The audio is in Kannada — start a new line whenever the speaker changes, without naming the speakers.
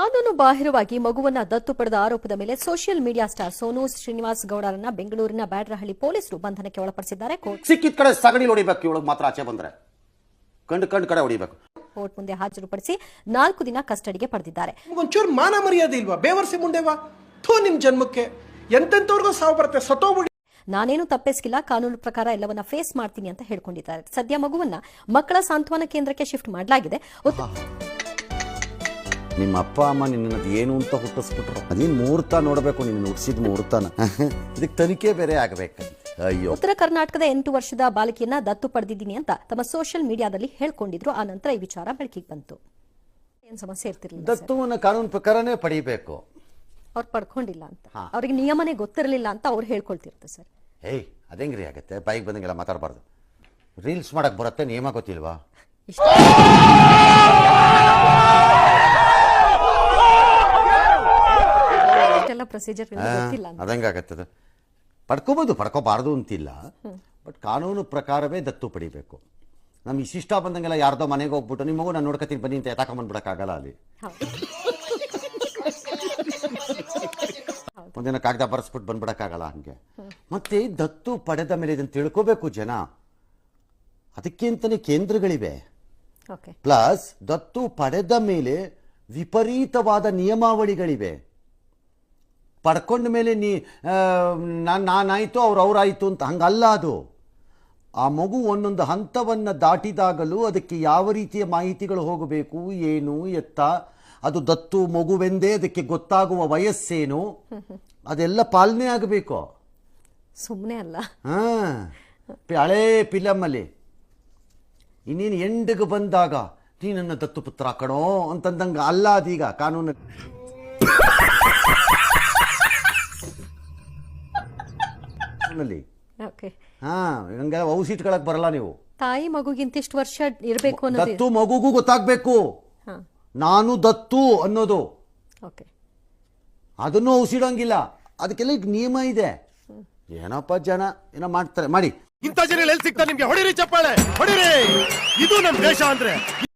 ಕಾನೂನು ಬಾಹಿರವಾಗಿ ಮಗುವನ್ನ ದತ್ತು ಪಡೆದ ಆರೋಪದ ಮೇಲೆ social media star Sonu Srinivas ಗೌಡರನ್ನ ಬೆಂಗಳೂರಿನ ಬ್ಯಾಡ್ರಹಳ್ಳಿ ಪೊಲೀಸರು ಬಂಧನಕ್ಕೆ ಒಳಪಡಿಸಿದ್ದಾರೆ.
ಸಿಕ್ಕಿದ ಕಡೆ ಸಗಣಿ ಹೊಡಿಬೇಕು, ಇವಳಿಗೆ ಮಾತ್ರ ಆಚೆ ಬಂದ್ರೆ ಕಂಡು ಕಡೆ ಹೊಡಿಬೇಕು.
ಕೋರ್ಟ್ ಮುಂದೆ ಹಾಜರುಪಡಿಸಿ 4 ದಿನ ಕಸ್ಟಡಿಗೆ ಪಡೆದಿದ್ದಾರೆ.
ಒಂಚೂರು ಮಾನ ಮರ್ಯಾದೆ ಇಲ್ವಾ? ಬೇವರ್ಸಿ ಮುಂಡೆವಾ ಥೋ ನಿಮ್ ಜನ್ಮಕ್ಕೆ ಎಂತೆಂತವ್ರಿಗೂ ಸಾವು ಬರುತ್ತೆ, ಸತ್ತೋಗ್ಬಿಡಿ.
ನಾನೇನು ತಪ್ಪಿಸ್ಕಿಲ್ಲ, ಕಾನೂನು ಪ್ರಕಾರ ಎಲ್ಲವನ್ನ ಫೇಸ್ ಮಾಡ್ತೀನಿ ಅಂತ ಹೇಳ್ಕೊಂಡಿದ್ದಾರೆ. ಸದ್ಯ ಮಗುವನ್ನ ಮಕ್ಕಳ ಸಾಂತ್ವನ ಕೇಂದ್ರಕ್ಕೆ ಶಿಫ್ಟ್ ಮಾಡಲಾಗಿದೆ.
ನಿಮ್ಮ ಅಪ್ಪ ಅಮ್ಮ ನಿನ್ನ ಏನು ಅಂತ ಹುಟ್ಟಿಸ್ಬಿಟ್ರು, ಅದೇನು ಮುಹೂರ್ತ ನೋಡಬೇಕು, ನಿನ್ನ ಹುಟ್ಟಿಸಿದ ಮುಹೂರ್ತನ ಇದಕ್ಕೆ ತನಿಖೆ ಬೇರೆ ಆಗಬೇಕು. ಅಯ್ಯೋ,
ಉತ್ತರ ಕರ್ನಾಟಕದ 8 ವರ್ಷದ ಬಾಲಕಿಯನ್ನ ದತ್ತು ಪಡೆದಿದ್ದೀನಿ ಅಂತ ತಮ್ಮ ಸೋಷಿಯಲ್ ಮೀಡಿಯಾದಲ್ಲಿ ಹೇಳ್ಕೊಂಡಿದ್ರು. ಆ ನಂತರ ಈ ವಿಚಾರ ಬೆಳಕಿಗೆ ಬಂತು. ಏನ್ ಸಮಸ್ಯೆ ಇರ್ತಿರ್ಲಿಲ್ಲ,
ದತ್ತುವನ್ನ ಕಾನೂನು ಪ್ರಕಾರನೇ ಪಡಿಬೇಕು.
ಅವ್ರು ಪಡ್ಕೊಂಡಿಲ್ಲ ಅಂತ, ಅವ್ರಿಗೆ ನಿಯಮನೇ ಗೊತ್ತಿರಲಿಲ್ಲ ಅಂತ ಅವ್ರು ಹೇಳ್ಕೊಳ್ತಿರ್ತಾರೆ ಸರ್.
ಏಯ್, ಅದೇಂಗ್ರಿ ಆಗತ್ತೆ? ಬಾಯಿಗೆ ಬಂದಂಗೆಲ್ಲ ಮಾತಾಡಬಾರ್ದು. ರೀಲ್ಸ್ ಮಾಡಕ್ ಬರುತ್ತೆ, ನಿಯಮ ಗೊತ್ತಿಲ್ವಾ?
ಪ್ರೊಸೀಜರ್ ಗೊತ್ತಿಲ್ಲ,
ಅದಂಗಾಗತ್ತದ. ಪಡ್ಕೋಬಹುದು, ಪಡ್ಕೋಬಾರ್ದು ಅಂತಿಲ್ಲ, ಬಟ್ ಕಾನೂನು ಪ್ರಕಾರವೇ ದತ್ತು ಪಡಿಬೇಕು. ನಮ್ಗೆ ಇಷ್ಟ ಬಂದಂಗೆಲ್ಲ ಯಾರ್ದೋ ಮನೆಗೆ ಹೋಗ್ಬಿಟ್ಟು ನಿಮ್ಮ ಮಗು ನಾನು ನೋಡ್ಕೊತೀನಿ ಬನ್ನಿ ಅಂತ ಎತ್ತಾಕೊಂಡ್ಬಿಡಕ್ಕಾಗಲ್ಲ. ಅಲ್ಲಿ ಒಂದಿನ ಕಾಗದ ಬರೆಸ್ಬಿಟ್ಟು ಬಂದ್ಬಿಡಕ್ಕಾಗಲ್ಲ ಹಂಗೆ. ಮತ್ತೆ ದತ್ತು ಪಡೆದ ಮೇಲೆ ಇದನ್ನು ತಿಳ್ಕೋಬೇಕು ಜನ. ಅದಕ್ಕೆ ಅಂತಾನೆ ಕೇಂದ್ರಗಳಿವೆ. ಪ್ಲಸ್ ದತ್ತು ಪಡೆದ ಮೇಲೆ ವಿಪರೀತವಾದ ನಿಯಮಾವಳಿಗಳಿವೆ. ಪಡ್ಕೊಂಡ ಮೇಲೆ ನಾನಾಯ್ತು ಅವ್ರಾಯ್ತು ಅಂತ ಹಂಗಲ್ಲ. ಅದು ಆ ಮಗು ಒಂದೊಂದು ಹಂತವನ್ನು ದಾಟಿದಾಗಲೂ ಅದಕ್ಕೆ ಯಾವ ರೀತಿಯ ಮಾಹಿತಿಗಳು ಹೋಗಬೇಕು, ಏನು ಎತ್ತ, ಅದು ದತ್ತು ಮಗುವೆಂದೇ ಅದಕ್ಕೆ ಗೊತ್ತಾಗುವ ವಯಸ್ಸೇನು, ಅದೆಲ್ಲ ಪಾಲನೆ ಆಗಬೇಕು.
ಸುಮ್ಮನೆ ಅಲ್ಲ.
ಹಳೇ ಫಿಲಮಲ್ಲಿ ಇನ್ನೇನು ಎಂಡಿಗೆ ಬಂದಾಗ ನೀ ನನ್ನ ದತ್ತು ಪುತ್ರ ಕಣೋ ಅಂತಂದಂಗ ಅಲ್ಲ. ಅದೀಗ ಕಾನೂನು ಹಂಗ ಔಸಿಟ್ಕೊಳಕ್ ಬರಲ್ಲ ನೀವು.
ತಾಯಿ ಮಗುಗಿಂತ ಇಷ್ಟು ವರ್ಷ ಇರಬೇಕು,
ದತ್ತು ಮಗುಗೂ ಗೊತ್ತಾಗ್ಬೇಕು ನಾನು ದತ್ತು ಅನ್ನೋದು. ಅದನ್ನು ಔಸಿಡಂಗಿಲ್ಲ, ಅದಕ್ಕೆಲ್ಲ ಈಗ ನಿಯಮ ಇದೆ. ಏನಪ್ಪ ಜನ ಏನೋ ಮಾಡ್ತಾರೆ, ಮಾಡಿ.
ಇಂಥ ಜನ ಎಲ್ಲಿ ಸಿಗ್ತಾರೆ ನಿಮ್ಗೆ? ಹೊಡಿರಿ ಚಪ್ಪಾಳೆ, ಹೊಡಿರಿ. ಇದು ನಮ್ ದೇಶ ಅಂದ್ರೆ.